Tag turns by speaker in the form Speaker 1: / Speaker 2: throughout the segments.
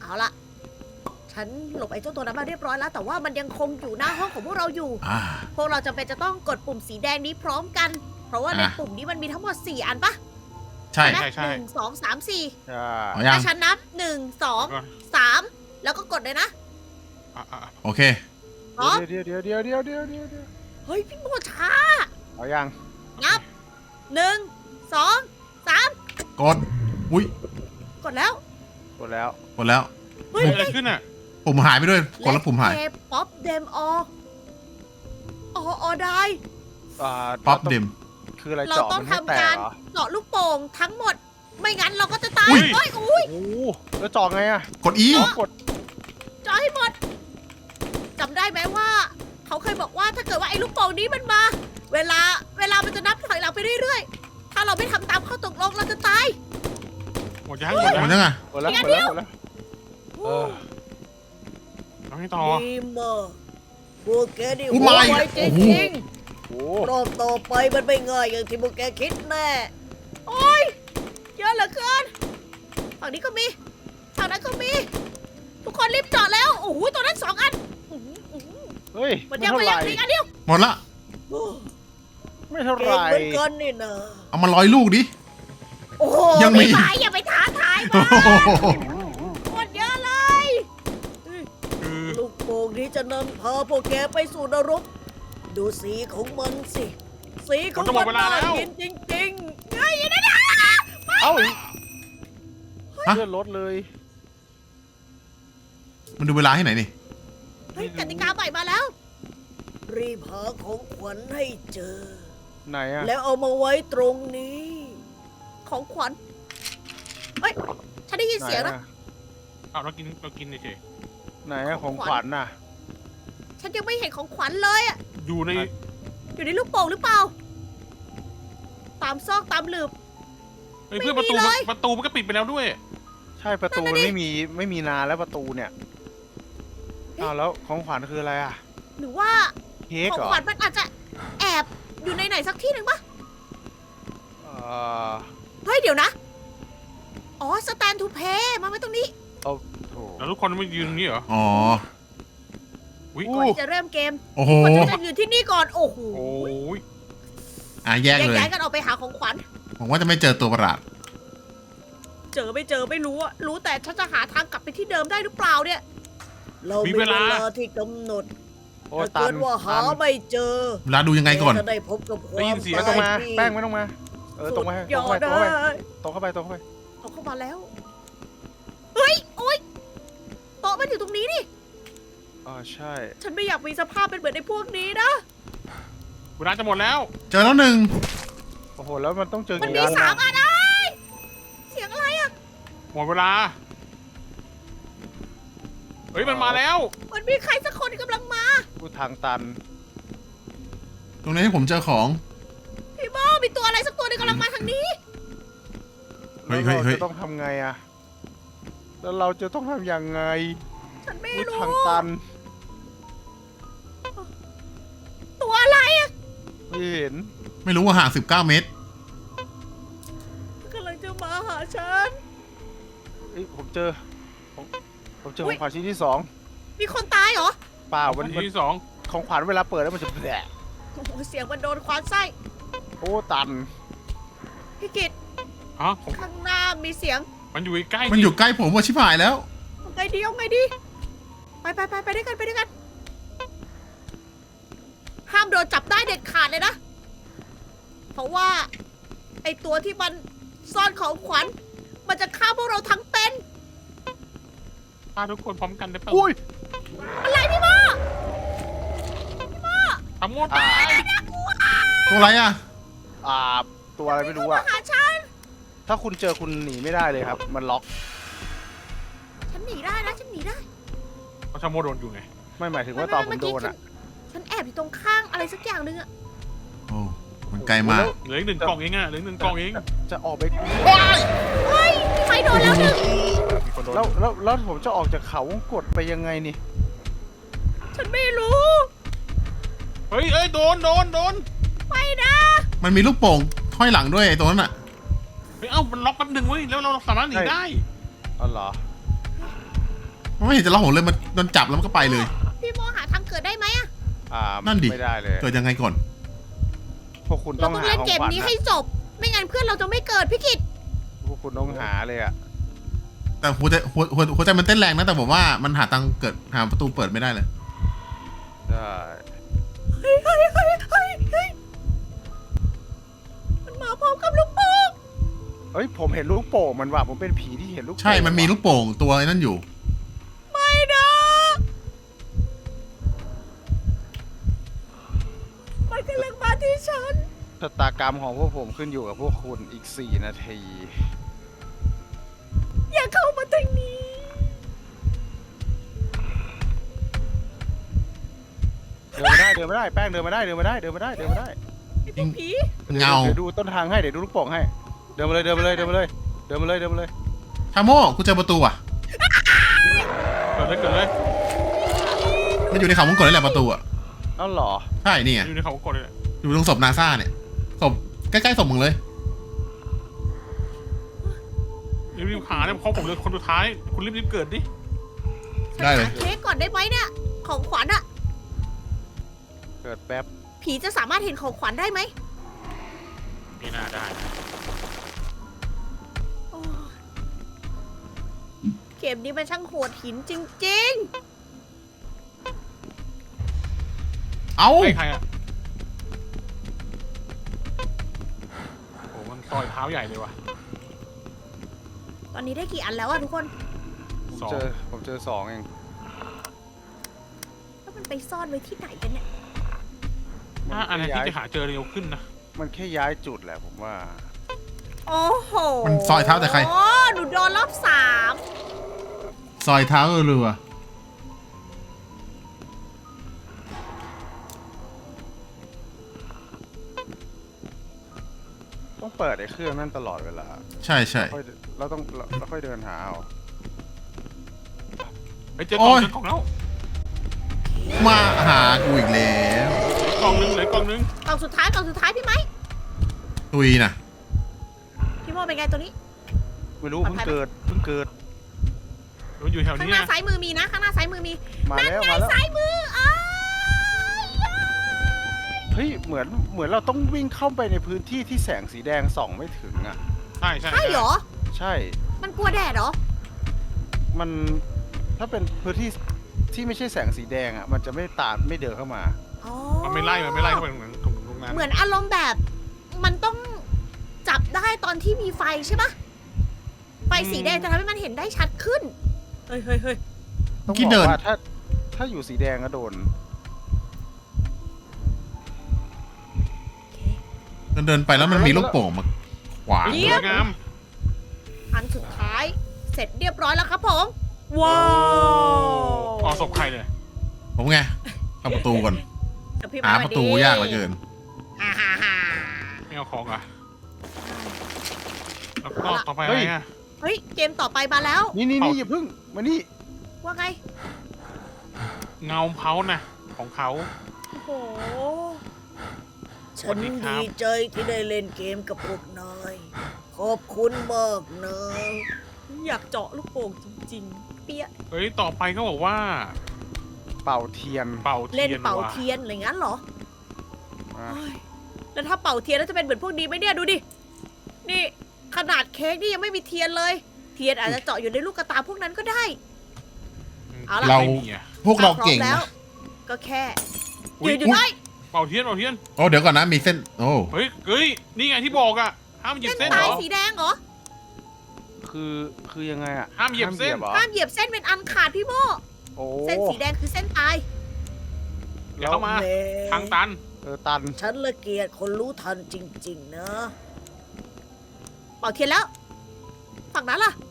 Speaker 1: เอาละฉันหลบไอ้เจ้าตัวนั้นมาเรียบร้อยแล้ว แต่ว่ามันยังคงอยู่หน้าห้องของพวกเราอยู่ พวกเราจำเป็นจะต้องกดปุ่มสีแดงนี้พร้อมกัน เพราะว่าในปุ่มนี้มันมีทั้งหมด4 อันปะ
Speaker 2: ใช่
Speaker 1: ไหม
Speaker 3: ใช่
Speaker 1: 1 2 3 4
Speaker 3: ใช่
Speaker 2: เอายัง
Speaker 1: ถ้าฉันนับ1 2 3แล้วก็กดเลยนะ
Speaker 2: โอเค
Speaker 1: พร้อม
Speaker 3: เดี๋ยว
Speaker 1: เฮ้ยพี่โมช้า
Speaker 3: เอายัง
Speaker 1: นับ1 2 3
Speaker 2: กด อุ้ย
Speaker 1: กดแล้ว
Speaker 3: กดแล้ว
Speaker 2: กดแล้ว
Speaker 1: เฮ้ย
Speaker 3: เกิดอะไรขึ้นอ่ะ
Speaker 2: ปุ่มหายไปด้วยกดแล้วปุ่มหาย
Speaker 1: ป๊อปเดมอได้
Speaker 2: ป๊อปเดม
Speaker 3: คืออะไร
Speaker 1: เรา
Speaker 3: เจาะ
Speaker 1: ต้อ
Speaker 3: มั
Speaker 1: ง
Speaker 3: นให้แต
Speaker 1: ทำกาก ร
Speaker 3: เหรอ
Speaker 1: เจาะลูกโป่งทั้งหมด ไม่งั้นเราก็จะตาย
Speaker 2: อุ๊ย
Speaker 1: เฮ้ยอุ้ย
Speaker 3: โอ้โหแล้วเจาะไงอ่ะ
Speaker 2: กดอี
Speaker 3: อ๋อกด
Speaker 1: เจาะให้หมดจำได้ไหมว่า เขาเคยบอกว่าถ้าเกิดว่าไอ้ลูกโป่งนี้มันมา เวลามันจะนับถอยหลังไปเรื่อยๆ ถ้าเราไม่ทำตามข้อตกลงเราจะตาย
Speaker 3: หมดยัง
Speaker 2: หมดยังไง
Speaker 3: หมดแล้ว
Speaker 1: อีก
Speaker 3: ห
Speaker 1: อั
Speaker 3: ม
Speaker 1: น
Speaker 3: ด
Speaker 1: เดียว
Speaker 3: แล้วหมดแล้วเออเอาให้ต่อ
Speaker 1: ดีมากพวกแกนี่
Speaker 2: อุ๊ย
Speaker 1: หัว
Speaker 2: มาอีก
Speaker 1: ไวจ
Speaker 2: โอ้โห
Speaker 1: ริง
Speaker 3: โอ้
Speaker 1: ๆรอบต่อไปมันไม่ง่ายอย่างที่พวกแกคิดแน่ โอ้ยเยอะเหลือเกินฝั่งนี้ก็มีฝั่งนั้นก็มี ทุกคนรีบเจาะแล้ว โอ้โหตัวนั้น2 อันอื้อหืออื้อหือ
Speaker 3: เฮ้ย
Speaker 1: มัน
Speaker 3: ไม่
Speaker 1: ยัง
Speaker 3: เท่า
Speaker 1: ไม่
Speaker 3: ไห
Speaker 1: ยั
Speaker 3: ร่
Speaker 1: งมีอันเดียว
Speaker 2: หมดละ
Speaker 1: โอ้
Speaker 3: ไม่เท่าไห
Speaker 1: เก่ง
Speaker 3: ร่
Speaker 1: เหมือนกันนี่นะ
Speaker 2: เอามา100 ลูกดิ
Speaker 1: โอ้โห
Speaker 2: ยังมี
Speaker 1: ไม่ไหวอย่าไปท้าทาย
Speaker 2: โอ้
Speaker 1: มัน
Speaker 2: โห
Speaker 1: หมดเยอะเลย
Speaker 3: คือ
Speaker 1: ลูกโป่งนี้จะนำพาพวกแกไปสู่นรก ดูสีของมันสิ สีของมันน่ากินจริงๆไงนะเนี่ย
Speaker 3: เอ้า
Speaker 2: ฮะ
Speaker 3: เลื่อนรถเลย
Speaker 2: มันดูเวลาที่ไหนนี่
Speaker 1: เฮ้ยกติกาใหม่มาแล้ว รีบหาของขวัญให้เจอ
Speaker 3: ไหนอ่ะ
Speaker 1: แล้วเอามาไว้ตรงนี้ ของขวัญเฮ้ยฉันได้ยินเสียงนะ
Speaker 3: เอาเรากินเฉยไหนอะของขวัญน่ะ
Speaker 1: ฉันยังไม่เห็นของขวัญเลยอะ
Speaker 3: อยู่ใน
Speaker 1: อยู่ในลูกโป่งหรือเปล่า ตามซอกตามหลืบ
Speaker 4: เฮ้ยเพื่อนประตู
Speaker 1: ไม่มีเลย
Speaker 4: ประตูมันก็ปิดไปแล้วด้วย
Speaker 3: ใช่ประตู
Speaker 1: นั่น
Speaker 3: มัน
Speaker 1: น่ะดิ
Speaker 3: ไม่มีนานแล้วประตูเนี่ยอ้าวแล้วของขวัญคืออะไรอ่ะ
Speaker 1: หรือว่า
Speaker 3: เค้ก
Speaker 1: ของ
Speaker 3: เหรอ
Speaker 1: ขวัญมันอาจจะแอบอยู่ในไหนสักที่หนึ่งปะ
Speaker 3: เอ่อ
Speaker 1: เฮ้ยเดี๋ยวนะ อ๋อสแตนทูเพย์มาไว้ตรงนี้
Speaker 3: โถ
Speaker 4: แล้วทุกคนไม่ยืนตรงนี้เหรอ
Speaker 2: อ๋อ
Speaker 4: อุ้ย
Speaker 1: ก่อนที่จะเริ่มเกม
Speaker 2: โอ้โห
Speaker 1: คนจะยืนที่นี่ก่อน โอ้โห
Speaker 4: โอ้ย
Speaker 2: แย
Speaker 1: แย
Speaker 2: ก
Speaker 1: ก
Speaker 2: เลย
Speaker 1: ย้ายกันออกไปหาของขวัญ
Speaker 2: ผมว่าจะไม่เจอตัวประหลาด
Speaker 1: เจอไม่รู้อะรู้แต่ฉันจะหาทางกลับไปที่เดิมได้หรือเปล่าเนี่ย เรามีเวลาที่กำหนด
Speaker 3: โอ้
Speaker 1: ถ้า
Speaker 3: ตั
Speaker 1: เกิ
Speaker 3: น
Speaker 1: ดว่าหา
Speaker 3: ตัน
Speaker 1: ไม่เจอ
Speaker 2: เวลาดูยังไงก่อน
Speaker 1: แจะได้พบกับความ
Speaker 3: ไม่ต้องมา
Speaker 1: ที่
Speaker 3: แป้งไม่ต้องมา ตรงไป
Speaker 1: สุดยอด
Speaker 3: ตรง
Speaker 1: เล
Speaker 3: ไป
Speaker 1: ย
Speaker 3: ตรงเข้าไป
Speaker 1: เอาเข้ามาแล้ว เฮ้ย โอ๊ยโต๊ะมันอยู่ตรงนี้นี่
Speaker 3: อ๋อใช่
Speaker 1: ฉันไม่อยากมีสภาพเป็นเหมือนในพวกนี้นะ
Speaker 4: เวลาจะหมดแล้ว
Speaker 2: เจอแล้วหนึ่ง
Speaker 3: โอ้โหแล้วมันต้องเจอ
Speaker 1: มัน
Speaker 3: กี่
Speaker 1: มี
Speaker 3: อัน
Speaker 1: 3
Speaker 3: นะ
Speaker 1: อันไอ้ยเสียงอะไรอะ
Speaker 4: หมดเวลา เฮ้ยมันมาแล้ว
Speaker 1: มันมีใครสักคนกำลังมา
Speaker 3: กูทางตัน
Speaker 2: ตรงนี้ให้ผมเจอของ
Speaker 1: พี่โมมีตัวอะไรสักตัวหนึงกำลังมาทางนี้
Speaker 2: เฮ้
Speaker 3: แล้ว
Speaker 2: ย
Speaker 3: เรา
Speaker 2: เฮ้ย
Speaker 3: จะต้องทำไงอะแล้วเราจะต้องทำยังไง
Speaker 1: ฉันไม่
Speaker 3: กู
Speaker 1: รู้
Speaker 3: ทางตัน
Speaker 1: ตัวอะไรอะ
Speaker 3: ไม่เห็น
Speaker 2: ไม่รู้ว่าห่าง19 เมตร
Speaker 1: กำลังจะมาหาฉัน
Speaker 3: เอ้ยผมเจอของ
Speaker 1: อุ๊ย
Speaker 3: ขวัญชิ้นที่สอง
Speaker 1: มีคนตายเหรอ
Speaker 3: เปล่ามัน
Speaker 4: ที่สอง
Speaker 3: ของขวัญเวลาเปิดแล้วมันจะแผล
Speaker 1: โอ้โหเสียงมันโดนควานไส้
Speaker 3: โอ้ตัน
Speaker 1: พี่กิต
Speaker 4: อ๋อผม
Speaker 1: ข้างหน้ามีเสียง
Speaker 4: มันอยู่ใกล้
Speaker 2: มันอยู่ใกล้ผมว่าชิบหายแล้ว
Speaker 1: เอาไงดีเอาไงดี ไปด้วยกันไปด้วยกัน ห้ามโดนจับได้เด็ดขาดเลยนะ เพราะว่า ไอตัวที่มันซ่อนของขวัญ มันจะฆ่าพวกเราทั้งเป็น
Speaker 4: พาทุกคนพร้อมกันได้เปล่า
Speaker 3: อุ้ย
Speaker 1: อะไรพี่โม
Speaker 4: ทั้งหมดตาย
Speaker 2: ตัวอะไรอ่ะ
Speaker 3: ตัวอะไรไม่รู้อะ
Speaker 1: มาหาฉัน
Speaker 3: ถ้าคุณเจอคุณหนีไม่ได้เลยครับ มันล็อก
Speaker 1: ฉันหนีได้นะ ฉันหนีได้
Speaker 4: เพราะชาโมโดนอยู่ไง
Speaker 3: ไม่หมายถึงว่าตอนผมโดนอะ
Speaker 1: ฉันแอบอยู่ตรงข้างอะไรสักอย่างหนึงอะ
Speaker 2: โอ้ มันไกลมาก
Speaker 4: เหลืออีก1 กล่องเองอะเหลืออีก1 กล่องเอง
Speaker 3: จะออกไป
Speaker 1: เฮ้ยพี่ไม้โดนแล้วหนึ่ง
Speaker 4: มีคนโดน
Speaker 3: แล้วผมจะออกจากเขาวงกดไปยังไงนี่
Speaker 1: ฉันไม่รู้
Speaker 4: เฮ้ยโดน
Speaker 1: ไม่นะ
Speaker 2: มันมีลูกโป่งห้อยหลังด้วยไอ้ตัวนั้นอ่ะ
Speaker 4: เฮ้ยเอ้ามันล็อกแป๊บนึงเว้ยแล้วเราสามารถหนีได้
Speaker 3: อ๋อเหรอ
Speaker 2: ไม่เห็นจะร้องโหเลยมันโดนจับแล้วมันก็ไปเลย
Speaker 1: พี่โมหาทางเกิดได้ไหมอะ
Speaker 2: นั่นดิ
Speaker 3: ไม่ได้เลย
Speaker 2: เกิดยังไงก่อน
Speaker 3: พวกคุณ
Speaker 1: เรา
Speaker 3: ต้อง
Speaker 1: ต้อง
Speaker 3: หา
Speaker 1: เล่น
Speaker 3: ของ
Speaker 1: เกม
Speaker 3: ขวัญ
Speaker 1: นี้
Speaker 3: นะ
Speaker 1: ให้จบ ไม่งั้นเพื่อนเราจะไม่เกิดพี่กิต
Speaker 3: พวกคุณต้องหาเลยอะ
Speaker 2: แต่หัวใจมันเต้นแรงนะแต่ผมว่ามันหาทางเกิดหาประตูเปิดไม่ได้เลย
Speaker 3: ได้
Speaker 1: เฮ้ยมันมาพร้อมกับลูกโป่ง
Speaker 3: เฮ้ยผมเห็นลูกโป่งมันว่ะผมเป็นผีที่เห็นลูกโป่ง
Speaker 2: ใช่มันมีลูกโป่งตัวนั่นอยู่
Speaker 1: ไม่นะมันกำลังมาที่ฉัน
Speaker 3: ชะตากรรมของพวกผมขึ้นอยู่กับพวกคุณอีก4 นาที
Speaker 1: อย่าเข้ามาทางนี้
Speaker 3: เดินไม่ได้แป้งเดินไม่ได้
Speaker 1: ไอ้พวกผี
Speaker 2: เงา
Speaker 3: เดี๋ยวดูต้นทางให้เดี๋ยวดูลูกโป่งให้เดินมาเลย
Speaker 2: ชาโม่กูเจอประตูอ่ะ
Speaker 4: เกิดเลย
Speaker 2: มันอยู่ในเขาวงกตนี่แหละประตูอ่ะ
Speaker 3: เอ้าเหรอ
Speaker 2: ใช่นี่ไง
Speaker 4: อยู่ในเขากดเลยแหละ
Speaker 2: อยู่ตรงศพนาซาเนี่ยศพใกล้ๆศพมึงเลย
Speaker 4: รีบหาเนี่ยเขาผมเลยคนสุดท้ายคุณรีบเกิดดิ
Speaker 2: ได้เลย
Speaker 1: หาเค้กก่อนได้ไหมเนี่ย ของขวัญอะ
Speaker 3: เกิดแป๊บ
Speaker 1: ผีจะสามารถเห็นของขวัญได้ไหม
Speaker 4: ไม่น่าได้นะ
Speaker 1: โอ้ยเกมนี้มันช่างโหดหินจริง
Speaker 2: เอ้า
Speaker 4: ไม่ใครอ่ะโอ้มันซอยเท้าใหญ่เลยว่ะ
Speaker 1: ๆ ตอนนี้ได้กี่อันแล้วอะทุกคน
Speaker 4: สอง
Speaker 3: ผมเจอ2เอง
Speaker 1: แล้วมันไปซ่อนไว้ที่ไหนกันเนี่ย
Speaker 4: ถ้าอันไหนที่จะหาเจอเร็วขึ้นนะ
Speaker 3: มันแค่ย้ายจุดแหละผมว่า
Speaker 1: โอ้โห
Speaker 2: มันซอยเท้าแต่ใคร
Speaker 1: โอ้หนูโดนรอบ
Speaker 2: ซอยเท้าเรือ
Speaker 3: ต้องเปิดไอ้เครื่องนั่นตลอดเวลา
Speaker 2: ใช่ใช่
Speaker 3: เราค่อยเดินหาเอา
Speaker 4: ไอ้เจอกล่องแล้ว
Speaker 2: มาหากูอีกแล้ว
Speaker 4: กล่องนึงเหลือกล่องนึง
Speaker 1: 3กล่องสุดท้ายพี่ไหม
Speaker 2: ตุยน่ะ
Speaker 1: พี่โมเป็นไงตัวนี้
Speaker 3: ไม่รู้
Speaker 1: ปลอด
Speaker 3: เพิ่ง
Speaker 1: ภัยไหม
Speaker 3: เกิด
Speaker 4: มันอยู่แถว
Speaker 1: ข้าง
Speaker 4: นี้
Speaker 1: หน้า
Speaker 4: นะ
Speaker 1: ซ้ายมือมีนะ ข้างหน้าซ้ายมือมี
Speaker 3: มา
Speaker 1: นั่น
Speaker 3: แล้ว
Speaker 1: ไง
Speaker 3: มาแล้ว
Speaker 1: ซ้ายมืออ้าย
Speaker 3: เฮ้ยเหมือนเราต้องวิ่งเข้าไปในพื้นที่ที่แสงสีแดงส่องไม่ถึงอ่ะ
Speaker 4: ใช่
Speaker 1: ใช่เหรอ
Speaker 3: ใช่
Speaker 1: มันกลัวแดดเหรอ
Speaker 3: มันถ้าเป็นพื้นที่ที่ไม่ใช่แสงสีแดงอ่ะมันจะไม่เดินเข้ามา
Speaker 1: อ๋อ
Speaker 4: มันไม่ไล่เข้าไปเหมือนตรงนั้น
Speaker 1: เหมือนอารมณ์แบบ มันต้องจับได้ตอนที่มีไฟใช่ปะไฟสีแดงจะทำให้มันเห็นได้ชัดขึ้น เฮ้ย
Speaker 3: ต้อง
Speaker 2: ที่
Speaker 3: บ
Speaker 2: เดิ
Speaker 3: อก
Speaker 2: น
Speaker 3: ว่าถ้าอยู่สีแดงก็โดน
Speaker 2: เดินไปแล้วมันมีลูกโป่งมาขวาง
Speaker 1: เยี่
Speaker 4: ส
Speaker 1: ย
Speaker 4: วยงาม
Speaker 1: อันสุดท้าย เสร็จเรียบร้อยแล้วครับผม ว้าว
Speaker 4: ออกศพใครเลย
Speaker 2: ผมไงเข้าประตูก่อน
Speaker 1: เดี๋ยวพี่
Speaker 2: หา
Speaker 1: มา
Speaker 2: ประตูยากเหลือเกิน
Speaker 1: ฮ่า
Speaker 4: ไม่เอาของอ่ะแล้วก็ต่อไปอะไรอ่ะ
Speaker 1: เฮ้ย เกมต่อไปมาแล้ว
Speaker 3: นี่
Speaker 4: เอา
Speaker 3: อย่าเพิ่งมานี่
Speaker 1: ว่าไง
Speaker 4: เงาเผานะของเขา
Speaker 1: โอ้โห
Speaker 4: สวัสดีครับ
Speaker 1: ที่ได้เล่นเกมกับพวกนาย ขอบคุณมากนะอยากเจาะลูกโป่งจริงๆ เปี้ย
Speaker 4: เฮ้ยต่อไปเขาบอกว่า
Speaker 3: เป่าเทียน
Speaker 4: เป่าเทียน
Speaker 1: เล่นเป่า
Speaker 4: ว่ะ
Speaker 1: เทียนอะไรงั้นเหรอ
Speaker 3: อ่ะ
Speaker 1: เฮ้ยแล้วถ้าเป่าเทียนแล้วจะเป็นเหมือนพวกนี้ไหมเนี่ยดูดิ นี่ขนาดเค้กนี่ยังไม่มีเทียนเลย เทียนอาจจะเจาะอยู่ในลูกกระตาพวกนั้นก็ได้ เอาล่ะ
Speaker 2: เรา
Speaker 4: ไม่มีอ่ะ
Speaker 2: พวกเราเก่ง
Speaker 1: พร้อมแล้
Speaker 2: นะ
Speaker 1: ว ก็แค่
Speaker 4: อุ๊ย
Speaker 1: ยืนอยู่ได้
Speaker 4: เป่าเทียน
Speaker 2: โอ้เดี๋ยวก่อนนะมีเส้นโอ้
Speaker 4: เฮ้ยนี่ไงที่บอกอ่ะห้ามเหยียบ
Speaker 1: เส้น
Speaker 4: เส้นเหร
Speaker 1: ตาย
Speaker 4: อ
Speaker 1: สีแดงเหรอ
Speaker 3: คือยังไงอ่ะ
Speaker 4: ห้ามเหยียบเส้น
Speaker 3: หรอ
Speaker 1: ห้ามเหยียบเส้นเป็นอันขาดพี่โม
Speaker 3: โอ้
Speaker 1: เส้นสีแดงคือเส้นตาย
Speaker 4: อย่าเข้ามาทางตัน
Speaker 3: ตัน
Speaker 1: ฉันละเกียดคนรู้ทันจริงๆนะเป่าเทียนแล้ว ฝั่งนั้นล่ะ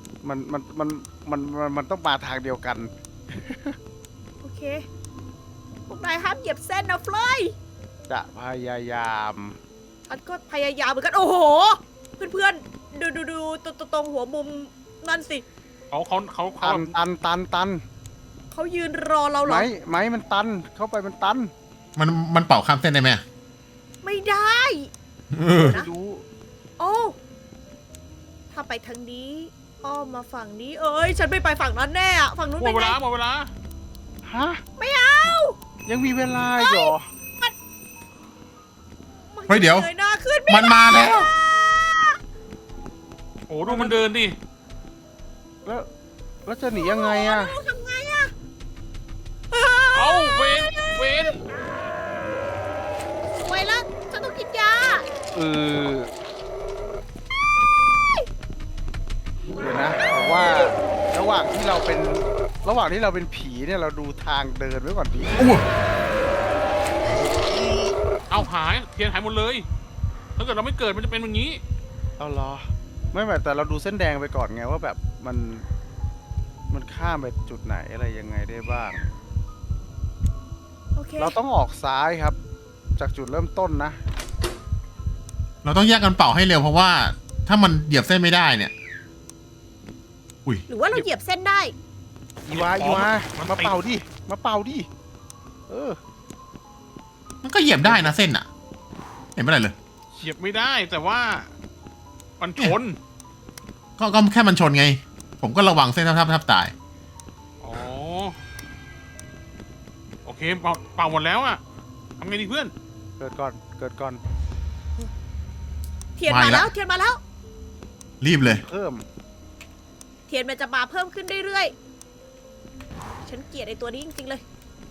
Speaker 3: มันต้องมาทางเดียวกัน
Speaker 1: โอเค พวกนายห้ามเหยียบเส้นนะเฟลย
Speaker 3: จะพยายาม
Speaker 1: ฉันก็พยายามเหมือนกัน โอ้โห เพื่อนๆ ดูตรงหัวมุมนั่นสิ
Speaker 4: เขา
Speaker 3: ตัน
Speaker 1: เขายืนรอเราเหรอ
Speaker 3: ไม้มันตันเข้าไปมันตัน
Speaker 2: มันเป่าข้ามเส้นได้ไหม
Speaker 1: ไม่ได้
Speaker 2: เออ
Speaker 1: นะ
Speaker 3: ไม่รู้
Speaker 1: โอ้ ถ้าไปทางนี้อ้อมมาฝั่งนี้เอ้ยฉันไม่ไปฝั่งนั้นแน่อะฝั่งนู้น
Speaker 4: หม
Speaker 1: เป็
Speaker 4: ด
Speaker 1: น
Speaker 4: เว
Speaker 1: ไง
Speaker 4: ลาหมดเวลา
Speaker 3: ฮะ
Speaker 1: ไม่เอา
Speaker 3: ยังมีเวลาอีกเหรอ
Speaker 2: เฮ้ยเดี๋ยว
Speaker 1: งยหน้าขึ้น
Speaker 2: มันมาแล้ว
Speaker 4: โอ้ดูมันเดินดิ
Speaker 3: แล้วจะหนียังไงอะ
Speaker 1: ทำไงอะ
Speaker 4: เอ้าเวนเวน
Speaker 1: สวยแล้วฉันต้องกินยา
Speaker 3: เออเดี๋ยวนะผมว่าระหว่างที่เราเป็นผีเนี่ยเราดูทางเดินไว้ก่อนดี
Speaker 4: เอาหายเทียนหายหมดเลยถ้าเกิดเราไม่เกิดมันจะเป็นแบบนี้
Speaker 3: เอาเหรอไม่แบบแต่เราดูเส้นแดงไปก่อนไงว่าแบบมันข้ามไปจุดไหนอะไรยังไงได้บ้าง
Speaker 1: โอเค
Speaker 3: เราต้องออกซ้ายครับ จากจุดเริ่มต้นนะ
Speaker 2: เราต้องแยกกันเป่าให้เร็วเพราะว่าถ้ามันเหยียบเส้นไม่ได้เนี่ย อุ้ย
Speaker 1: หรือว่าเราเหยียบเส้นได้
Speaker 3: อีวามาเป่าดิมาเป่าดิเออ
Speaker 2: มันก็เหยียบได้นะเส้นอะเห็นไม่ได้เลย
Speaker 4: เฉียบไม่ได้แต่ว่ามันชน
Speaker 2: ก็แค่มันชนไง ผมก็ระวังเส้นทับตาย
Speaker 4: อ๋อโอเคเป่าหมดแล้วอะทำไงดีเพื่อน
Speaker 3: เกิดก่อน
Speaker 1: เทียนมาแล้วเทียนมาแล้ว
Speaker 2: รีบเลย
Speaker 3: เพิ่ม
Speaker 1: เทียนมันจะมาเพิ่มขึ้นเรื่อยๆฉันเกลียดไอ้ตัวนี้จริงๆเลย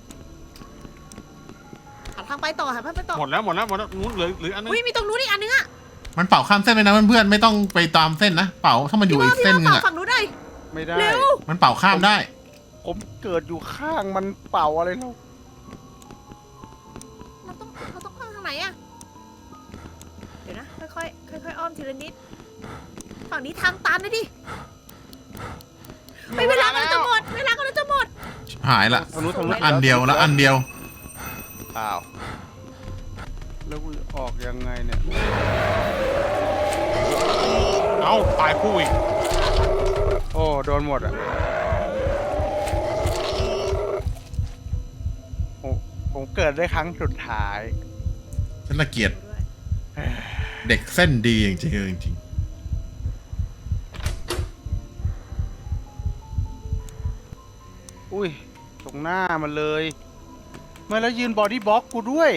Speaker 1: หาทางไปต่อหาทางไปต่อ
Speaker 4: หมดแล้วนู้นเหลืออันนึง
Speaker 1: อุ้ยมีตรงนู้นอีกอันนึงอะ
Speaker 2: มันเป่าข้ามเส้นเลยนะเพื่อนๆไม่ต้องไปตามเส้นนะเป่าถ้ามันอยู่อีกเส้นนึง
Speaker 1: ต่อ
Speaker 2: อะ
Speaker 1: ฝั่งนู้นได้
Speaker 3: ไม่ได้
Speaker 1: เร็ว
Speaker 2: มันเป่าข้ามได้
Speaker 3: ผมเกิดอยู่ข้างมันเป่าอะไรเรา
Speaker 1: เราต้องเข้าทางไหนอะเดี๋ยวนะค่อยอ้อมทีละนิดฝั่งนี้ทางตันนะดิไม่เวลาก็จะหมด
Speaker 2: หายละ
Speaker 3: ทางนู้น
Speaker 2: อันเดียวแล้วอันเดียว
Speaker 3: เปล่าแล้วกูออกยังไงเนี่ย
Speaker 4: เอ้าตายคู่อีก
Speaker 3: โอ้โดนหมดอ่ะผมเกิดได้ครั้งสุดท้าย
Speaker 2: ฉันละเกียดเด็กเส้นดีจริงๆจริง
Speaker 3: อุ้ยตรงหน้ามันเลยเมื่อแล้วยืนบอดี้บล็อกกูด้วย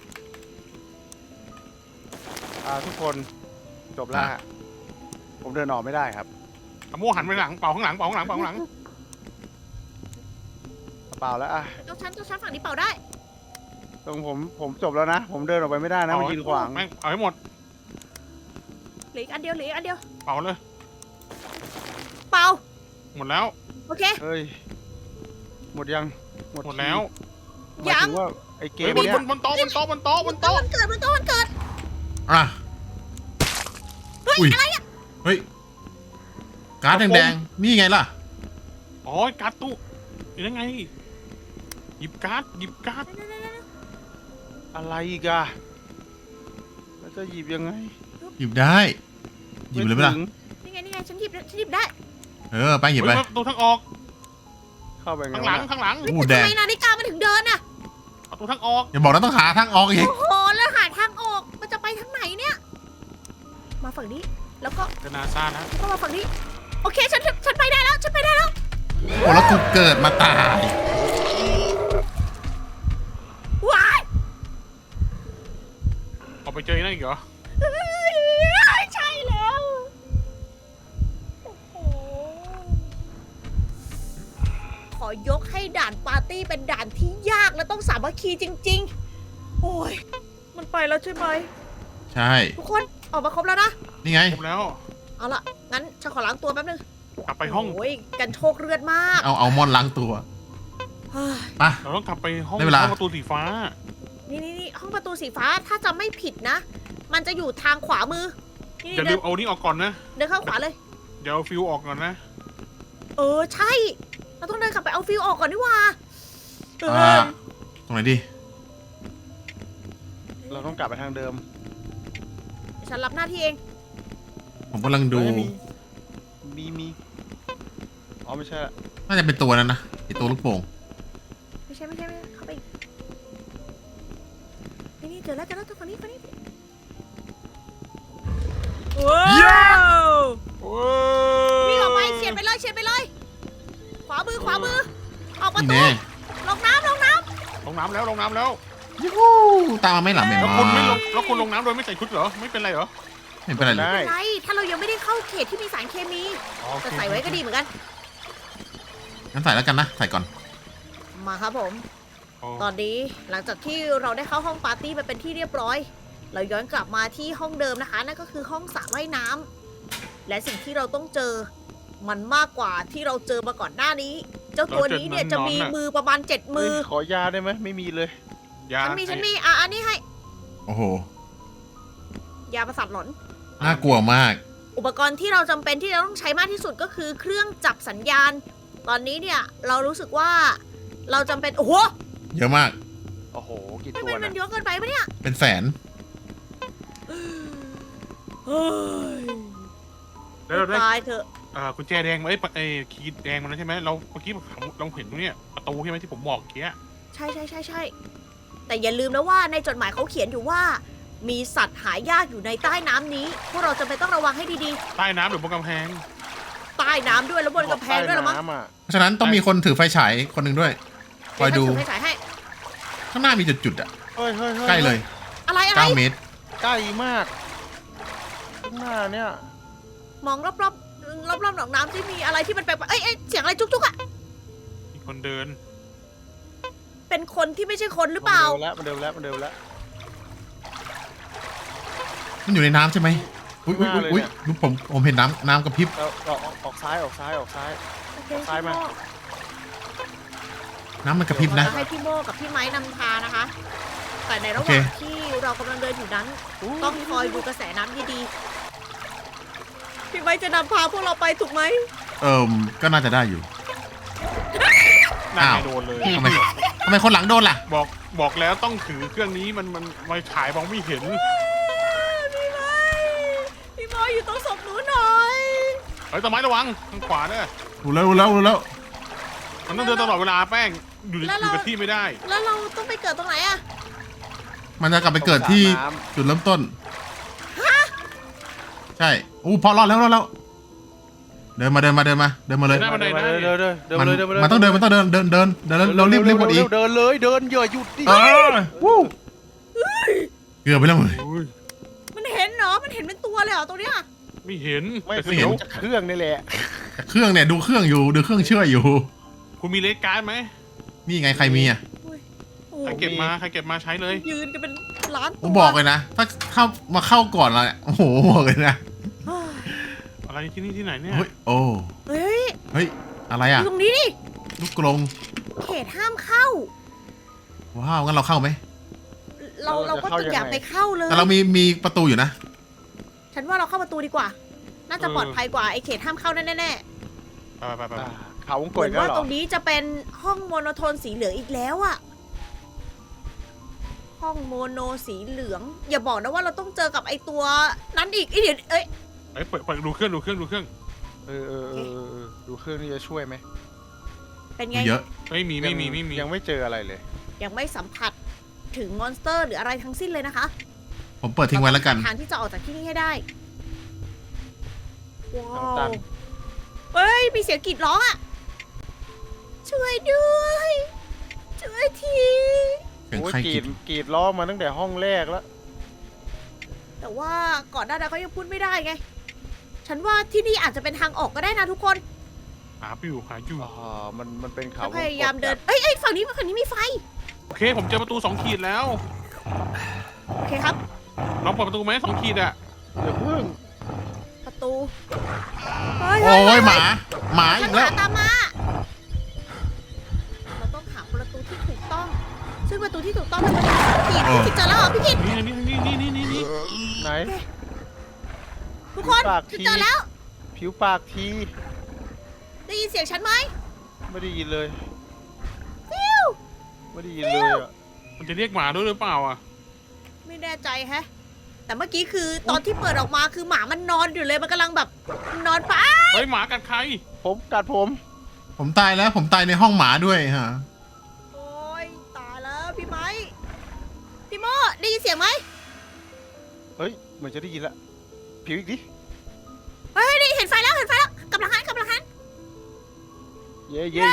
Speaker 3: ทุกคนจบแล้วฮะผมเดินออกไม่ได้ครับ
Speaker 4: ตะโม่หันไปหลังเป่าข้างหลังเป่าข้างหลัง
Speaker 3: เปล่าแล้วอ่ะ
Speaker 1: เจ้าชั้นฝั่งนี้เป่าได้
Speaker 3: ตรงผมจบแล้วนะ ผมเดินออกไปไม่ได้นะมันยืนขวาง
Speaker 4: แม่งเอาให้หมด
Speaker 1: เหลืออีกอันเดียว
Speaker 4: เป่าเลย
Speaker 1: เป่า
Speaker 4: หมดแล้ว
Speaker 1: โอเค
Speaker 3: เฮ้ยหมดยัง
Speaker 4: หมดแล้ว
Speaker 3: หมายถึงว่าไอ้เก
Speaker 4: เฮ้ย
Speaker 3: มเนี้ย
Speaker 4: บนโต๊ะ
Speaker 1: มันเกิด
Speaker 2: ๆอ่ะ
Speaker 1: เฮ้ย
Speaker 2: อุ้ย
Speaker 1: อะไรอะ
Speaker 2: เฮ้ยการ์ดแดงๆนี่ไงล่ะ
Speaker 4: อ๋อการ์ดตู้ยังไงหยิบการ์ด
Speaker 3: อะไรอีกอะแล้วจะหยิบยังไง
Speaker 2: หยิบได้หยิบเลยไหมล่ะ
Speaker 3: ถึง
Speaker 1: นี่ไงฉันหยิบได้
Speaker 2: ไปหยิบไป
Speaker 4: เฮ้ยประตูทางออก
Speaker 3: เข้าไปไง
Speaker 4: ข้างหลัง
Speaker 3: วะ
Speaker 4: ข้างหลัง
Speaker 2: อู้แด
Speaker 1: ทำ
Speaker 2: ง
Speaker 1: ไมนาฬิกามันถึงเดินอะ
Speaker 4: ประตูทางออก
Speaker 2: อย่าบอกนะต้องหาทางออกอีก
Speaker 1: โอ้โหแล้วหาทางออกมันจะไปทางไหนเนี่ยมาฝั่งนี้แล้วก็
Speaker 4: จะนาซานะ
Speaker 1: มาฝั่งนี้โอเคฉันไปได้แล้ว
Speaker 2: โอ้แล้วกูเกิดมาตาย
Speaker 1: ว้าย
Speaker 4: ออกไปเจอนั่นอีกเหรอ
Speaker 1: ใช่แล้วโอ้โหขอยกให้ด่านปาร์ตี้เป็นด่านที่ยากและต้องสามัคคีจริง ๆ โอ้ยมันไปแล้วใช่ไหม
Speaker 2: ใช่
Speaker 1: ทุกคนออกมาครบแล้วนะ
Speaker 2: นี่ไง
Speaker 4: ครบแล้ว
Speaker 1: เอาล่ะงั้นฉันขอล้างตัวแป๊บนึง
Speaker 4: กลับไปห้อง
Speaker 1: โอ้ยกันโชคเลือดมาก
Speaker 2: เอามอนล้างตัว
Speaker 1: เฮ้ย
Speaker 2: ไป
Speaker 4: เราต้องกลับไปห้อง
Speaker 2: ได้เวลา
Speaker 4: ห้องประตูสีฟ้า
Speaker 1: นี่ห้องประตูสีฟ้าถ้าจำไม่ผิดนะ มันจะอยู่ทางขวามือนี่
Speaker 4: อย่าลืมเอานี่ออกก่อนนะ
Speaker 1: เดินเข้าขวาเลย
Speaker 4: เดี๋ยวเอาฟิวออกก่อนนะ
Speaker 1: ใช่ เราต้องเดินกลับไปเอาฟิวออกก่อนดีกว่า
Speaker 2: ตรงไหนดี
Speaker 3: เราต้องกลับไปทางเดิม
Speaker 1: ฉันรับหน้าที่เอง
Speaker 2: ผมกำลังดู
Speaker 3: เฮ้ยมีอ๋อไม่ใช่ละ
Speaker 2: น่าจะเป็นตัวนั้นนะไอตัวลูกโป่ง
Speaker 1: ไม่ใช่เข้าไปอีกนี่เจอแล้วตัวฝั่งนี้ว้าว
Speaker 4: โอ้
Speaker 1: วิ่งออกไปเฉียดไปเลย ขวามือขวามือออกประ
Speaker 2: นี่
Speaker 1: ตู
Speaker 2: แน่
Speaker 1: ลงน้ำลงน้
Speaker 4: ลงน้ำแล้วลงน้ำแล้ว
Speaker 2: ยูฮูตามมาไม่หลับแม่
Speaker 4: แล้ว
Speaker 2: มา
Speaker 4: คุณไม่ลงแล้วคุณลงน้ำโดยไม่ใส่ชุดเหรอไม่เป็นไรเหรอ
Speaker 2: ไม่เป็นไรเลย
Speaker 1: ำไม่เป็นไรถ้าเรายังไม่ได้เข้าเขตที่มีสารเคมี
Speaker 4: อ๋อโอเค
Speaker 1: แต่ใส่ไว้ก็ดีเหมือนกัน
Speaker 2: งั้นใส่แล้วกันนะ ใส่ก่อน
Speaker 1: มาครับผม
Speaker 4: อ๋อ
Speaker 1: ตอนนี้หลังจากที่เราได้เข้าห้องปาร์ตี้ไปเป็นที่เรียบร้อย เราย้อนกลับมาที่ห้องเดิมนะคะ นั่นก็คือห้องสระว่ายน้ำและสิ่งที่เราต้องเจอ มันมากกว่าที่เราเจอมาก่อนหน้านี้ เจ้าตัวนี้เนี่ยจะมีมือประมาณ7 มือ
Speaker 3: ขอยาได้ไหมไม่มีเลย
Speaker 4: ยา
Speaker 1: ฉันมีอันนี้ให้
Speaker 2: โอ้โห
Speaker 1: ยาประสาทหลอน
Speaker 2: น่ากลัวมาก
Speaker 1: อุปกรณ์ที่เราจำเป็นที่เราต้องใช้มากที่สุดก็คือเครื่องจับสัญญาณ ตอนนี้เนี่ยเรารู้สึกว่าเราจำเป็นโอ้โห
Speaker 2: เยอะมาก
Speaker 3: โอ้โหกี่
Speaker 1: ไม่
Speaker 3: ตัว
Speaker 1: เป็นมั
Speaker 3: นะ
Speaker 1: นเยอะเกินไปปะเนี่ย
Speaker 2: เป็นแสน
Speaker 1: เฮ้ย
Speaker 4: แล้วเราได้
Speaker 1: ตายเถอะ
Speaker 4: กุญแจแดงมาไอ้คีย์แดงมันใช่ไหมเราเมื่อกี้เราเห็นตรงเนี้ยประตูใช่ไหมที่ผมบอกเมื่อกี้
Speaker 1: ใช่แต่อย่าลืมนะว่าในจดหมายเขาเขียนอยู่ว่า มีสัตว์หายากอยู่ในใต้น้ำนี้ พวกเราจะไปนต้องระวังให้ดี
Speaker 4: ใต้น้ำหรือบนกำแพง
Speaker 1: ๆ ใต้น้ำด้วยแล้วบนกำแพงด้วยละมั้ง
Speaker 3: ใต้น้ำอะ
Speaker 2: เพราะฉะนั้นต้องมีคนถือไฟฉายคนหนึ่งด้วย คอยดู
Speaker 1: ให้ฉายให้
Speaker 2: ข้างหน้ามีจุดๆอ่ะ
Speaker 3: เฮ้ย
Speaker 2: ใกล้เลย
Speaker 1: อะไร
Speaker 2: 9 เมตร
Speaker 3: ใกล้มากข้างหน้าเนี่ย
Speaker 1: มองรอบๆหนองน้ำที่มีอะไรที่มันแปลกๆเอ้ยเสียงอะไรจุกๆอ่ะ
Speaker 4: มีคนเดิน
Speaker 1: เป็นคนที่ไม่ใช่คนหรือเปล่า
Speaker 3: มันเดิมแล้ว
Speaker 2: มันอยู่ในน้ำใช่ไหมอุ้ยอุ้ยอุ้ยอุ้ยดูผมเห็นน้ำกระพริบ
Speaker 3: เราออกซ้าย
Speaker 1: โอเค
Speaker 3: ซ้ายมา
Speaker 1: พี่โ
Speaker 2: น้ำมันกระพริบนะ
Speaker 1: เราให้พี่โมกับพี่ไม้นำทางนะคะ แต่ในระห
Speaker 2: โอ
Speaker 1: ว่าง
Speaker 2: เค
Speaker 1: ที่เรากำลังเดินอยู่นั้น ต้องคอยดูกระแสน้ำดีๆพี่ไม้จะนำพาพวกเราไปถูกไหม
Speaker 2: ก็น่าจะได้อยู่
Speaker 4: น่า
Speaker 2: อ้าว
Speaker 4: ไม่โดนเลย
Speaker 2: ทำไมคนหลังโดนล่ะ
Speaker 4: บอกแล้วต้องถือเครื่องนี้มันไฟฉายมองไม่เห็น
Speaker 1: พี่ไม้อยู่ตรงศพหนูหน่อย
Speaker 4: เฮ้ยต้นไม้ระวังทางขวาเนี่ย
Speaker 2: รู้แล้ว
Speaker 4: มันต้องเดินตลอดเวลาแป้งอยู่กับที่ไม่ได้
Speaker 1: แล้วเราต้องไปเกิดตรงไหนอะ
Speaker 2: มันจะกลับไปเกิดที่จุดเริ่มต้น ใช่อู้พอรอดแล้วเดินมาเลย
Speaker 4: เดินมาเลย
Speaker 2: มันต้องเดินเรารีบกดอีก
Speaker 3: เดินเลยอย่าหยุดดิ
Speaker 2: วู้เกือบไปแล้วมึง
Speaker 4: อุ้ย
Speaker 1: มันเห็นเหรอ มันเห็นเป็นตัวเลยเหรอตรงเนี้ย
Speaker 4: ไม่เห็น
Speaker 3: ไม่
Speaker 4: แต่
Speaker 3: เสี
Speaker 4: เสี
Speaker 3: ย
Speaker 4: ยว
Speaker 3: จากเครื่องนี่แหละ
Speaker 2: แต่เครื่องเนี่ยดูเครื่องอยู่ดูเครื่องเชื่ออยู่
Speaker 4: คุณมีเลสการ์ดไหม
Speaker 2: นี่ไงใครมีอ่ะ
Speaker 1: โอ้
Speaker 4: ใครเก็บมาใช้เลย
Speaker 1: ยืนกันเป็นล้านตั
Speaker 2: ผ
Speaker 1: ว
Speaker 2: มบอกเลยนะ ถ้าเข้าก่อนเราเนี่ยโอ้โหบอกเลยนะ
Speaker 4: อะไรที่นี่ที่ไหนเนี่ย
Speaker 2: เฮ้ยโอ้
Speaker 1: เฮ้ย
Speaker 2: เฮ้ยอะไร
Speaker 1: อ
Speaker 2: อ่ะ
Speaker 1: ยู่ตรงนี้ดิ
Speaker 2: ลูกกรง
Speaker 1: เขตห้ามเข้า
Speaker 2: ว้าวงั้นเราเข้าไหม
Speaker 1: เราก็จะอยากไปเข้าเลย
Speaker 2: แต่เรามีประตูอยู่นะ
Speaker 1: ฉันว่าเราเข้าประตูดีกว่า น่าจะปลอดภัยกว่าไอ้เขตห้ามเข้าแน่
Speaker 4: ไป
Speaker 3: เขาวง
Speaker 1: ๆ
Speaker 3: ก
Speaker 1: เห
Speaker 3: ด
Speaker 1: มือน
Speaker 3: แล้ว
Speaker 1: ว่า
Speaker 3: เหรอ
Speaker 1: ตรงนี้จะเป็นห้องโมโนโทนสีเหลืองอีกแล้วอะห้องโมโนสีเหลือง อย่าบอกนะว่าเราต้องเจอกับไอ้ตัวนั้นอีกเดี๋ยวเอ้ย
Speaker 4: เฮ้ยเปิดดูเครื่อง
Speaker 3: ดูเครื่องนี่จะช่วยไหม
Speaker 1: เป็นไง
Speaker 2: เยอะ
Speaker 4: ไม่มี
Speaker 3: ยังไม่เจออะไรเลย
Speaker 1: ยังไม่สัมผัสถึงมอนสเตอร์หรืออะไรทั้งสิ้นเลยนะคะ
Speaker 2: ผมเปิดทิ้งไว้แล้วกัน
Speaker 1: ทางที่จะออกจากที่นี่ให้ได้ ว้า
Speaker 3: ทางตั
Speaker 1: วน เฮ้ย มีเสียงกรีดร้องอ่ะ ช่วยด้วย ช่วยที
Speaker 2: เสียง
Speaker 3: โอ้ย
Speaker 2: ใคร
Speaker 3: กรี
Speaker 2: กิ
Speaker 3: ด
Speaker 2: น
Speaker 3: กรีดล้อมาตั้งแต่ห้องแรกแล้ว
Speaker 1: แต่ว่าก่อนหน้านั้นเขายังพูดไม่ได้ไง ฉันว่าที่นี่อาจจะเป็นทางออกก็ได้นะทุกคน
Speaker 4: หาอยู่
Speaker 3: มันเป็นเขา
Speaker 1: แล้วพยายามเดิน เอ้ยฝั่งนี้มีไฟ
Speaker 4: โอเคผมเจอประตู2 ขีดแล้ว
Speaker 1: โอเคครับ
Speaker 4: ลองเปิดประตูไหม2 ขีดอะ
Speaker 3: อย่าเพิ่ง
Speaker 1: ประตูเฮ้ย
Speaker 2: โอ้ยหมาอี
Speaker 1: ฉัน
Speaker 2: กแล้ว
Speaker 1: หาตามมา เราต้องหาประตูที่ถูกต้อง ซึ่งประตูที่ถูกต้องเป็นประตูพี่กิจเจอแล้วเหรอพี่กิจ
Speaker 4: นี่
Speaker 3: ไหน
Speaker 1: ทุกคน
Speaker 3: ปาก
Speaker 1: ฉัน
Speaker 3: ที
Speaker 1: เจอแล้ว
Speaker 3: ผิวปากที
Speaker 1: ได้ยินเสียงฉันไหม
Speaker 3: ไม่ได้ยินเลย
Speaker 1: ฟิว
Speaker 3: ไม่ได้ยินเลยอ่ะ
Speaker 4: มันจะเรียกหมาด้วยหรือเปล่าอ่ะ
Speaker 1: ไม่แน่ใจแฮะ แต่เมื่อกี้คือตอนที่เปิดออกมาคือหมามันนอนอยู่เลย มันกำลังแบบนอนป้า
Speaker 4: เฮ้ยหมากัดใคร
Speaker 3: ผมกัดผม
Speaker 2: ผมตายแล้วผมตายในห้องหมาด้วยฮะ
Speaker 1: โอ้ยตายแล้วพี่ไม้พี่โมได้ยินเสียงไหม
Speaker 3: เฮ้ยเหมือนจะได้ยินละผิวอีกดิ
Speaker 1: เฮ้ยนี่เห็นไฟแล้วกำลังหัน
Speaker 3: เย้
Speaker 1: เย้
Speaker 3: เย้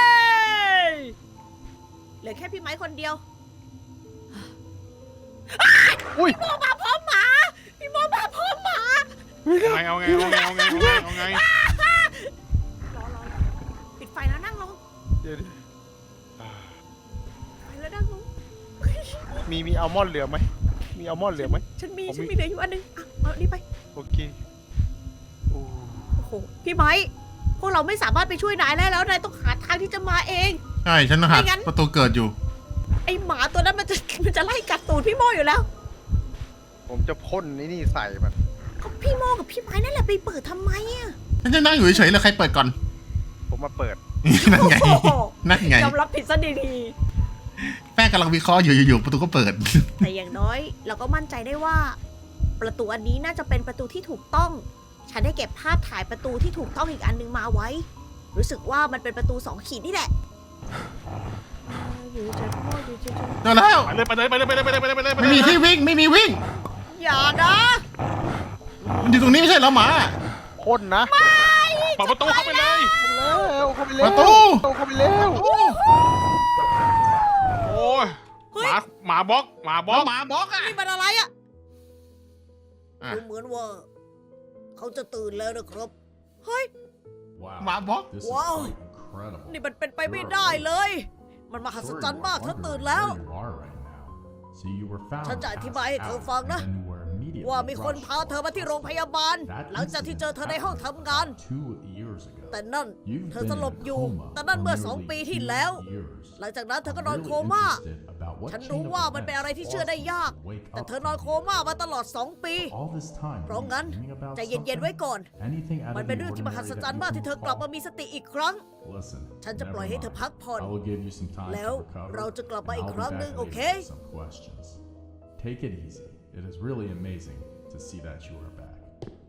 Speaker 1: เหลือแค่พี่ไม้คนเดียว
Speaker 3: อุ้ย
Speaker 1: พี่โมมาพร้อมหมาพี่โมมาพร้อมหมา
Speaker 4: เอาไง
Speaker 1: รอปิดไฟแล้วนั่งลง
Speaker 3: เดี๋ยว
Speaker 1: ไฟแล้วนั่งลง
Speaker 3: มีอัลมอนด์เหลือไหมมีอัลมอนด์เหลือไหม
Speaker 1: ฉันมีเหลืออยู่อันนึงอ่ะเอานี่ไป
Speaker 3: โอเคโอ้
Speaker 1: โอ้โหพี่ไม้พวกเราไม่สามารถไปช่วยนายได้แล้วนายต้องหาทางที่จะมาเอง
Speaker 2: ใช่ฉันหา
Speaker 1: ไม่งั้น
Speaker 2: ประตูเกิดอยู่
Speaker 1: ไอหมาตัวนั้นมันจะไล่กัดตูดพี่โมอยู่แล้ว
Speaker 3: ผมจะพ่นนี่ใส่มัน
Speaker 1: ก็พี่โมกับพี่ไม้นั่นแหละไปเปิดทำไมอ่ะ
Speaker 2: ฉันจะนั่งอยู่เฉยๆเลยใครเปิดก่อน
Speaker 3: ผมมาเปิด
Speaker 2: นั่นไง
Speaker 1: โอ้โห
Speaker 2: นั่นไง
Speaker 1: ยอมรับผิดซะดี
Speaker 2: แป้งกำลังวิเคราะห์อยู่ๆประตูก็เปิด
Speaker 1: ๆแต่อย่างน้อยเราก็มั่นใจได้ว่า ประตูอันนี้น่าจะเป็นประตูที่ถูกต้อง ฉันได้เก็บภาพถ่ายประตูที่ถูกต้องอีกอันนึงมาไว้ รู้สึกว่ามันเป็นประตู2 ขีดนี่แหละ
Speaker 2: เจอแล้ว
Speaker 4: ไปเลย
Speaker 2: ไม่มีที่วิ่งไม่มีวิ่ง
Speaker 1: อย่านะ
Speaker 2: มันอยู่ตรงนี้ไม่ใช่เหรอหมา
Speaker 3: พ่นนะ
Speaker 4: เปิดประตูเข้าไปเลย
Speaker 3: เข้าไปแล้ว
Speaker 2: ประตู
Speaker 3: เข้าไปแล้ว
Speaker 4: โอ้ยหมาบล็อก
Speaker 2: หมาบล็อกอ่ะ
Speaker 1: นี่มันอะไรอ่ะ
Speaker 2: อ่ะ
Speaker 1: ดูเหมือนว่า เขาจะตื่นแล้วนะครับ เฮ้ย
Speaker 2: หมาบล็อก
Speaker 5: This is
Speaker 1: Wow.
Speaker 5: quite incredible.
Speaker 1: นี่มันเป็นไปไม่ได้เลย มันมหัศจรรย์มากเธอตื่นแล้ว
Speaker 5: Where you are right now. So you were found
Speaker 1: ฉันจะอธิบายให้เธอฟังนะ
Speaker 5: passed out, and then you were immediately
Speaker 1: ว่ามีคน
Speaker 5: rushed
Speaker 1: พาเธอมาที่โรงพยาบาล
Speaker 5: That
Speaker 1: หลังจากที่เจอเธอในห้องทำงาน
Speaker 5: incident happened 2 years ago.
Speaker 1: แต่นั่น
Speaker 5: You've
Speaker 1: เธอ
Speaker 5: been
Speaker 1: สลบ
Speaker 5: in a
Speaker 1: อยู่
Speaker 5: coma
Speaker 1: แต่นั่นเมื่อ
Speaker 5: for
Speaker 1: 2
Speaker 5: nearly
Speaker 1: ปีที่
Speaker 5: 2
Speaker 1: แล้ว
Speaker 5: years.
Speaker 1: หลังจากนั้นเธอก็
Speaker 5: I'm
Speaker 1: นอน
Speaker 5: really
Speaker 1: โคม่า
Speaker 5: interested about what
Speaker 1: ฉัน
Speaker 5: chain
Speaker 1: รู้
Speaker 5: of
Speaker 1: ว่ามันเป็นอะไร
Speaker 5: events
Speaker 1: ที่เชื่อได้
Speaker 5: caused you
Speaker 1: ยาก
Speaker 5: to wake
Speaker 1: แต่
Speaker 5: up
Speaker 1: เธอนอน
Speaker 5: from
Speaker 1: โค
Speaker 5: this.
Speaker 1: ม่ามาตลอด 2 ปี
Speaker 5: All this time
Speaker 1: เพราะ
Speaker 5: you were
Speaker 1: งั้น
Speaker 5: dreaming about
Speaker 1: ใจเย็นๆ
Speaker 5: something?
Speaker 1: ไว้ก่อน
Speaker 5: Anything out
Speaker 1: มัน
Speaker 5: of
Speaker 1: เป็น
Speaker 5: the
Speaker 1: เรื่องที่มหั
Speaker 5: ordinary
Speaker 1: ศจรร
Speaker 5: that
Speaker 1: ย์
Speaker 5: you
Speaker 1: มาก
Speaker 5: can
Speaker 1: ที่เธอกลับมา
Speaker 5: recall?
Speaker 1: มีสติอีกครั้ง
Speaker 5: Listen,
Speaker 1: ฉันจะ
Speaker 5: never
Speaker 1: ปล่อยให้เธอ
Speaker 5: mind.
Speaker 1: พักผ่อน
Speaker 5: I will give you some time
Speaker 1: แล้ว
Speaker 5: to recover.
Speaker 1: เราจะกลับมา
Speaker 5: and
Speaker 1: อีก
Speaker 5: I'll
Speaker 1: ค
Speaker 5: be
Speaker 1: รั้ง
Speaker 5: back
Speaker 1: หนึ่ง
Speaker 5: later
Speaker 1: โอเค
Speaker 5: with some questions. Take it easy. It is really amazing to see that you are back.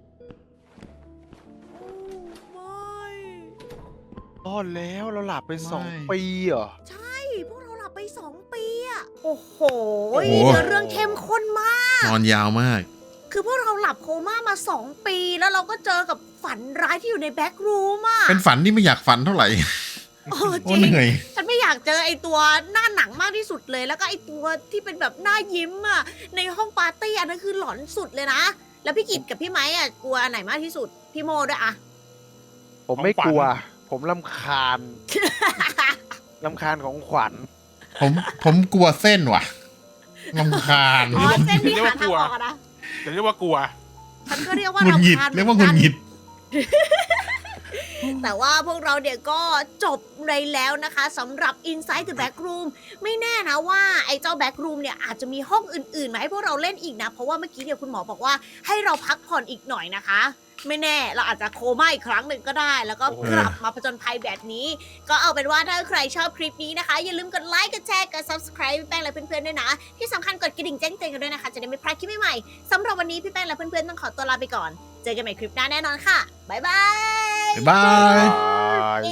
Speaker 3: รอดแล้วเราหลับไป
Speaker 2: ไม่
Speaker 3: 2 ปีเหรอ
Speaker 1: ใช่ พวกเราหลับไป 2 ปีอะโอ้โห
Speaker 2: โอ้โห
Speaker 1: เนื้อเรื่องเข้มข้นมาก
Speaker 2: นอนยาวมาก
Speaker 1: คือพวกเราหลับโคม่ามา 2 ปี แล้วเราก็เจอกับฝันร้ายที่อยู่ในแบ็กรูมอ่ะ
Speaker 2: เป็นฝันที่ไม่อยากฝันเท่าไหร่
Speaker 1: โอ้จ
Speaker 2: โอ้
Speaker 1: ริง
Speaker 2: เหนื่อย
Speaker 1: ฉันไม่อยากเจอไอตัวหน้าหนังมากที่สุดเลย แล้วก็ไอตัวที่เป็นแบบหน้ายิ้มอ่ะ ในห้องปาร์ตี้อันนั้นคือหลอนสุดเลยนะ แล้วพี่กิตกับพี่ไม้อ่ะกลัวอันไหนมากที่สุด พี่โมด้วยอะ
Speaker 3: ผมไม่กลัว ผมรำคาญรำคาญของขวัญ
Speaker 2: ผมกลัวเส้นว่ะรำคาญ
Speaker 1: อ๋อเส้นที่หาทางออกอะนะ
Speaker 4: จะเรียกว่ากลัว
Speaker 1: ฉันก็เรียกว่า
Speaker 2: หงุดหงิด
Speaker 1: รำคาญ
Speaker 2: เรียกว่าหงุดหงิด
Speaker 1: แต่ว่าพวกเราเนี่ยก็จบในแล้วนะคะสำหรับ Inside the Backroom ไม่แน่นะว่าไอ้เจ้า Backroom เนี่ยอาจจะมีห้องอื่นๆมาให้พวกเราเล่นอีกนะ เพราะว่าเมื่อกี้เนี่ยคุณหมอบอกว่าให้เราพักผ่อนอีกหน่อยนะคะ ไม่แน่เราอาจจะโคม่าอีกครั้งหนึ่งก็ได้ แล้วก็
Speaker 4: โอ้โห
Speaker 1: กลับมาผจญภัยแบบนี้ ก็เอาเป็นว่าถ้าใครชอบคลิปนี้นะคะ อย่าลืมกดไลค์กดแชร์กด subscribe พี่แป้งและเพื่อนๆด้วยนะ ที่สำคัญกดกระดิ่งแจ้งเตือนกันด้วยนะคะ จะได้ไม่พลาดคลิปใหม่ๆสำหรับวันนี้พี่แป้งและเพื่อนๆต้องขอตัวลาไปก่อน เจอกันใหม่คลิปหน้าแน่นอนค่ะบ๊ายบาย
Speaker 2: บ๊ายบาย
Speaker 1: เย้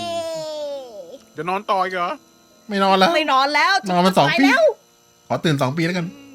Speaker 4: จะนอนต่ออีกเหรอ
Speaker 2: ไม่นอนแล้ว
Speaker 1: ไม่นอนแล้ว
Speaker 2: นอนมา2
Speaker 1: ไป
Speaker 2: ปี
Speaker 1: แล้ว
Speaker 2: ขอตื่น2 ปีแล้วกัน
Speaker 1: อื